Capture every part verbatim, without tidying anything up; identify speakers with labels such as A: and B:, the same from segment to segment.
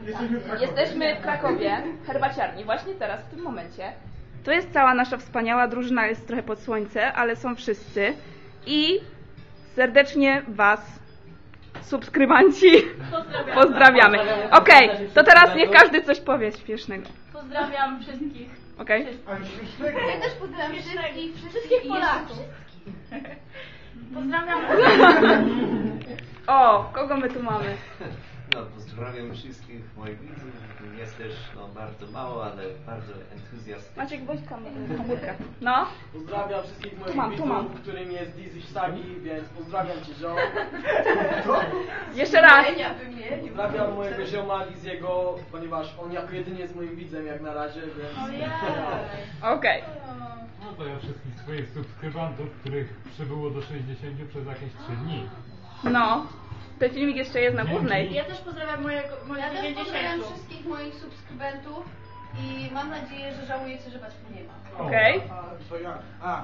A: Jesteśmy w Krakowie.
B: Jesteśmy w Krakowie, herbaciarni, właśnie teraz, w tym momencie. Tu jest cała nasza wspaniała drużyna, jest trochę pod słońce, ale są wszyscy. I serdecznie Was, subskrybanci,
C: Pozdrawiam.
B: pozdrawiamy. Okej, okay, to teraz niech każdy coś powie śpiesznego.
C: Pozdrawiam wszystkich.
B: Okej?
A: Ale śmiesznego.
D: Ja też pozdrawiam wszystkich,
C: Wszystkich Polaków. Pozdrawiam.
B: O, kogo my tu mamy?
E: No, pozdrawiam wszystkich moich widzów. Jest też no, bardzo mało, ale bardzo entuzjastycznie.
B: Maciek, bądź kam- komórkę. No.
F: Pozdrawiam wszystkich moich
B: Tu mam, tu mam.
F: widzów, którym jest Dizzy Sagi, więc pozdrawiam Cię, ziom.
B: Jeszcze raz.
F: Pozdrawiam mojego zioma Liziego, ponieważ on jako jedyny jest moim widzem jak na razie, więc...
C: Ojej.
B: Okej.
G: No to ja wszystkich swoich subskrybentów, których przybyło do sześćdziesięciu przez jakieś trzy dni.
B: No. Ten filmik jeszcze jest na głównej.
C: Ja też pozdrawiam mojego, moich
D: Ja też pozdrawiam
C: dziewięćdziesięciu.
D: wszystkich moich subskrybentów i mam nadzieję, że żałujecie, że was tu nie ma.
B: Okej.
A: A, to ja. A.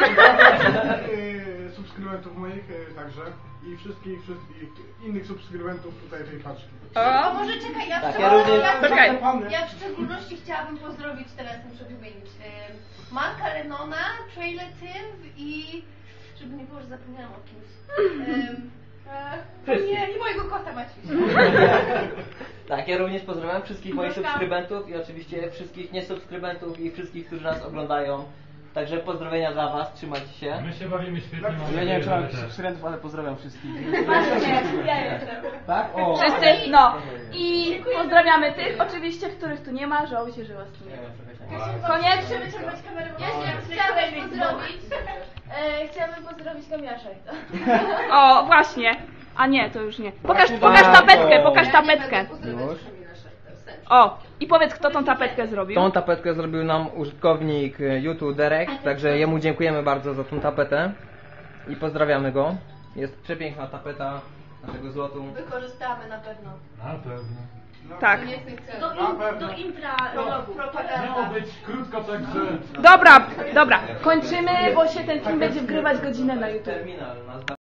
A: Yy, subskrybentów moich yy, także i wszystkich, wszystkich innych subskrybentów tutaj tej paczki.
B: O.
D: O, może czekaj, ja w,
E: Tak,
D: szczególności-
E: ja również-
D: ja, w-
B: Czekaj.
D: ja w szczególności chciałabym pozdrowić, teraz muszę wymienić, yy, Marka Lennona, Trailer Tim i... żeby nie było, że zapomniałam o kimś. Yy, e, nie, i mojego kota Maciusia.
H: Tak, ja również pozdrawiam wszystkich moich
C: Pozdrawiam.
H: subskrybentów i oczywiście wszystkich niesubskrybentów i wszystkich, którzy nas oglądają. Także pozdrowienia dla Was, trzymajcie się.
G: My się bawimy świetnie, mam
A: Ja
F: Ja nie wiem,
G: nadzieję,
F: czy
G: że
F: mam
G: Wy też.
F: subskrybentów, ale pozdrawiam wszystkich.
C: Ja jestem.
F: Tak? O!
B: Wszyscy, no. I pozdrawiamy tych oczywiście, których tu nie ma, żałujcie, że Was tu nie ma. Koniecznie wyciągać kamerę.
D: Ja się chciałabym pozdrowić. E, chciałabym pozdrowić Kamiasza.
B: O, właśnie. A nie, to już nie. Pokaż, pokaż tapetkę, pokaż tapetkę. O, i powiedz, kto tą tapetkę zrobił.
H: Tą tapetkę zrobił nam użytkownik YouTube Derek, także jemu dziękujemy bardzo za tą tapetę i pozdrawiamy go. Jest przepiękna tapeta naszego złotu.
D: Wykorzystamy na pewno.
G: Na pewno.
B: Tak.
D: Koniecznych celów.
C: Do, in, do intra vlogu.
G: Miało
D: Propaganda.
G: być krótko, także...
B: Dobra, dobra. Kończymy, bo się ten film będzie wgrywać godzinę na YouTube.
H: Terminal.